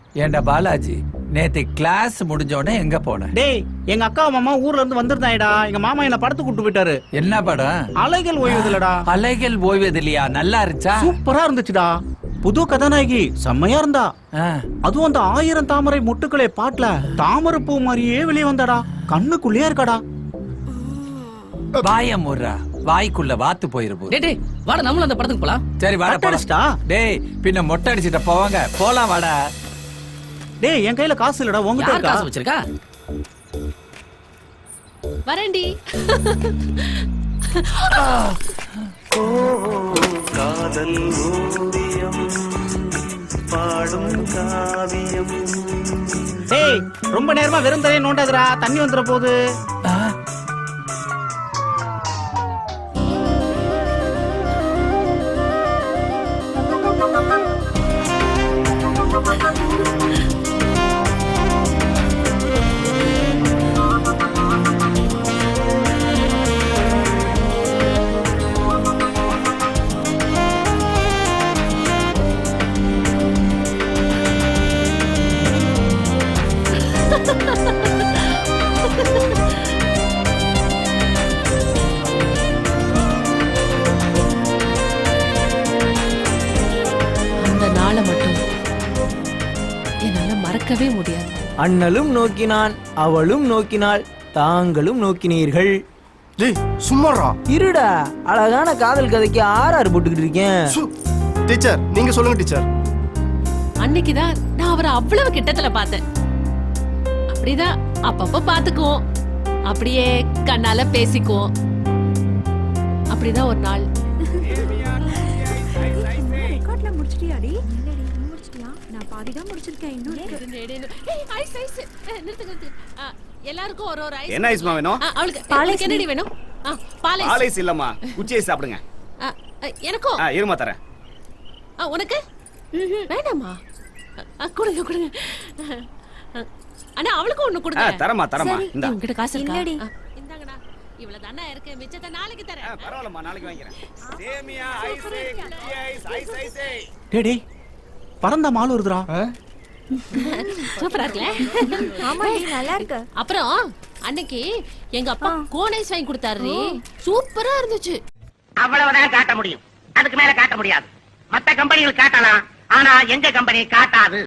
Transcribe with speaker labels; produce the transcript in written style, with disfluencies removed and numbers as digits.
Speaker 1: ஏண்டா பாலாஜி, நேத்து கிளாஸ் முடிஞ்ச உடனே எங்க போன?
Speaker 2: டேய், எங்க அக்கா மாமா ஊர்ல இருந்து வந்திருந்தாயடா. எங்க மாமா என்ன படத்து கூட்டு போயிட்டாரு.
Speaker 1: என்ன படம்?
Speaker 2: அலைகள் ஓய்வதில்லடா.
Speaker 1: அலைகள் ஓய்வதில்லையா? நல்லா இருந்துச்சா?
Speaker 2: சூப்பரா இருந்துச்சுடா. புது கதாநாயகி செம்மையா இருந்தா. அதுவும் அந்த 1000 தாமரை மொட்டுக்களே பாட்டுல தாமரை பூ மாதிரியே வெளியே வந்தாடா. கண்ணுக்குள்ளேயே இருக்காடா.
Speaker 1: வாய முறா, வாய்க்குள்ள வாத்து போயிருப்போம்.
Speaker 3: டேய் வாடா, நம்மளும் அந்த படத்துக்கு போலாம்.
Speaker 1: சரி வாடா
Speaker 2: அடிச்சிட்டா.
Speaker 1: டேய், பின்ன மொட்டை அடிச்சிட்ட போவாங்க. போலாம் வாடா.
Speaker 2: டேய், என் கையில காசு இல்லடா. உங்ககிட்ட
Speaker 3: யார்
Speaker 2: இருக்கா?
Speaker 3: காசு வச்சிருக்கா?
Speaker 4: வரேன்டி.
Speaker 5: காதல் ஓவியம் பாடும் காவியம்.
Speaker 2: டேய், ரொம்ப நேரமா வெறும் தரையை நோண்டாதடா. தண்ணி வந்துற போகுது.
Speaker 4: அந்த நாளை மட்டும் என்னால மறக்கவே முடியாது.
Speaker 6: அண்ணலும் நோக்கினான், அவளும் நோக்கினாள், தாங்களும் நோக்கினீர்கள்.
Speaker 7: டேய் சும்மாடா.
Speaker 6: இருடா, அழகான காதல் கதைக்கு ஆர்ஆர் போட்டுக்கிட்டு இருக்கேன்.
Speaker 7: டீச்சர் நீங்க சொல்லுங்க டீச்சர்.
Speaker 4: அன்னைக்குதான் நான் அவரை அவ்வளவு கிட்டத்துல பார்த்தேன். அப்படிதான் அப்பப்ப பாத்துக்குவோம், அப்படியே கண்ணால பேசிக்குவோம். அப்படிதான் ஒரு நாள்.
Speaker 8: ரெக்கார்ட்ல முடிச்சிட்டியாடி? இல்லடி, நீ முடிச்சிட்டியா? நான் பாதி தான் முடிச்சிருக்கேன். இன்னும்
Speaker 4: எல்லாருக்கும் ஒரு ஐஸ்.
Speaker 9: என்ன ஐஸ்மா வேணும்?
Speaker 4: அவளுக்கு என்னடி வேணும்? பால்
Speaker 9: ஐஸ் இல்லம்மா, குச்சி ஐஸ் சாப்பிடுங்க.
Speaker 4: எனக்கும்
Speaker 9: இருமா தரேன்.
Speaker 4: உனக்கு வேண்டாமா? கொடுங்க கொடுங்க. அண்ணா அவளுக்கும் ஒண்ணு கொடுங்க.
Speaker 9: தரமா தரமா. இந்த
Speaker 4: உங்ககிட்ட காசு இருக்கா?
Speaker 8: இல்லடி.
Speaker 4: இந்தாங்கடா, இவ்வளவு தானே இருக்கு. மிச்சத்தை நாளைக்கு தரேன்.
Speaker 9: பரவாயில்லம்மா, நாளைக்கு வாங்கிக்கிறேன். சேமியா ஐஸ், குச்சி ஐஸ், ஐஸ் ஐஸ்.
Speaker 2: டேய் டேய், பறந்த மால் வருதுடா.
Speaker 4: சூப்பரா இருக்குல?
Speaker 8: ஆமாடி, நல்லா இருக்கு.
Speaker 4: அப்புறம் அன்னைக்கு எங்க அப்பா கோன் ஐஸ் வாங்கி கொடுத்தாரு. சூப்பரா இருந்துச்சு.
Speaker 10: அவ்வளவுதான் காட்ட முடியும், அதுக்கு மேல காட்ட முடியாது. மத்த கம்பெனிகள் காட்டலாம், ஆனா எங்க கம்பெனி காட்டாது.